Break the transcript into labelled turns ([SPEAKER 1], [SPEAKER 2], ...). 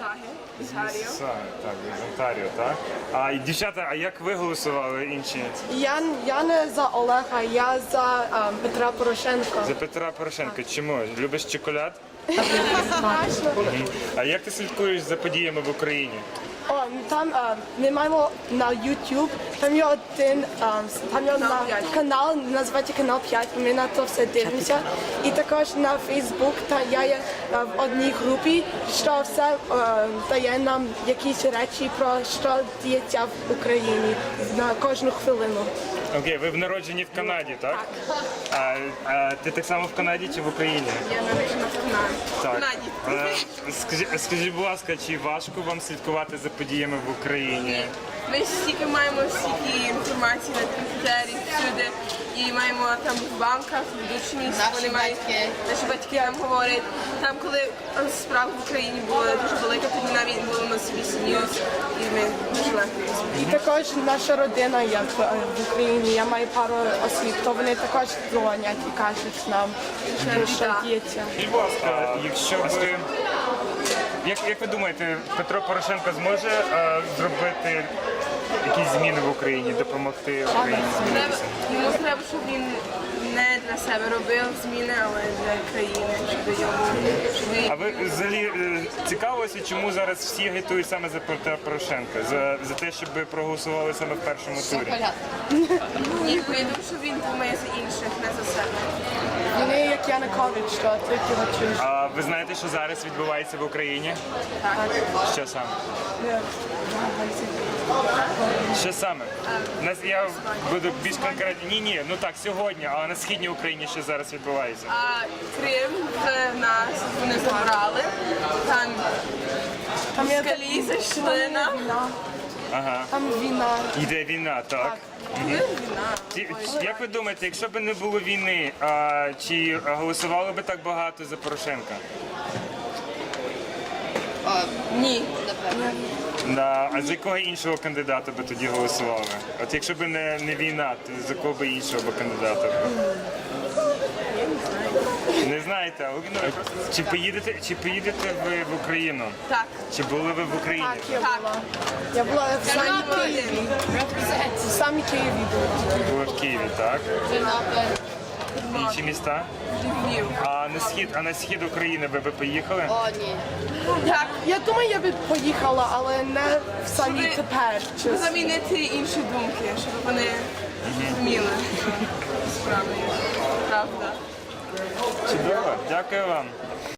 [SPEAKER 1] Так, з Онтаріо, так? А і дівчата, а як ви голосували інші?
[SPEAKER 2] Я не за Олега, я за Петра Порошенка.
[SPEAKER 1] За Петра Порошенка. Чому? Любиш чоколад? А як ти слідкуєш за подіями в Україні?
[SPEAKER 2] Там ми маємо на YouTube, там є один канал, називається канал 5, ми на то все дивимося. І також на Facebook, я є в одній групі, що все дає нам якісь речі про що діється в Україні на кожну хвилину.
[SPEAKER 1] Окей, ви народжені в Канаді, так? А ти так само в Канаді чи в Україні?
[SPEAKER 3] Я народжена в Канаді.
[SPEAKER 1] Скажіть, будь ласка, чи важко вам слідкувати за подіями в Україні?
[SPEAKER 3] Ми стільки маємо стільки інформації на комп'ютері, всюди, і маємо там в банках, в ведучі місця, вони мають, наші батьки нам говорять. Там, коли справа в Україні була дуже велика, тоді навіть було на CBC News, і ми дуже легко їх
[SPEAKER 2] І також наша родина є в Україні, я маю пару осіб, то вони також дзвонять і кажуть нам, що діється.
[SPEAKER 1] Будь ласка, якщо ви... Як ви думаєте, Петро Порошенко зможе зробити якісь зміни в Україні, допомогти Україні змінитися?
[SPEAKER 3] Йому треба, щоб він не для себе робив зміни, але для країни,
[SPEAKER 1] А ви взагалі цікавилися, чому зараз всі агітують саме за Петра Порошенка? За те, щоб проголосували саме в першому турі?
[SPEAKER 3] Ні, бо я думаю, що він думає за інших, не за себе.
[SPEAKER 2] Вони як Янукович, що тільки чують.
[SPEAKER 1] А ви знаєте, що зараз відбувається в Україні?
[SPEAKER 3] Так.
[SPEAKER 1] Що саме? Що саме? Я буду більш конкретно. Ні, ну так, сьогодні, але на східній Україні що зараз відбувається?
[SPEAKER 3] А Крим в нас вони забрали, там москалі зайшли нам.
[SPEAKER 1] Ага.
[SPEAKER 2] Там війна.
[SPEAKER 1] Йде війна, так. Як ви думаєте, якщо б не було війни, чи голосували б так багато за Порошенка?
[SPEAKER 3] Ні.
[SPEAKER 1] Да. А за якого іншого кандидата би тоді голосували? От якщо б не війна, то за кого б іншого б кандидата? Не знаєте? Чи поїдете ви в Україну?
[SPEAKER 3] Так.
[SPEAKER 1] Чи були ви в Україні?
[SPEAKER 2] Так, я була. Я була в самій Києві. В самій Києві була.
[SPEAKER 1] Були в Києві, так? Інші міста?
[SPEAKER 3] Львів.
[SPEAKER 1] А на схід України ви поїхали?
[SPEAKER 4] О, ні.
[SPEAKER 3] Так.
[SPEAKER 2] Я думаю, я би поїхала, але не в самі
[SPEAKER 3] Щоб
[SPEAKER 2] тепер.
[SPEAKER 3] Щоб замінити інші думки, щоб вони зрозуміли, що справді правда.
[SPEAKER 1] Чудово, дякую вам.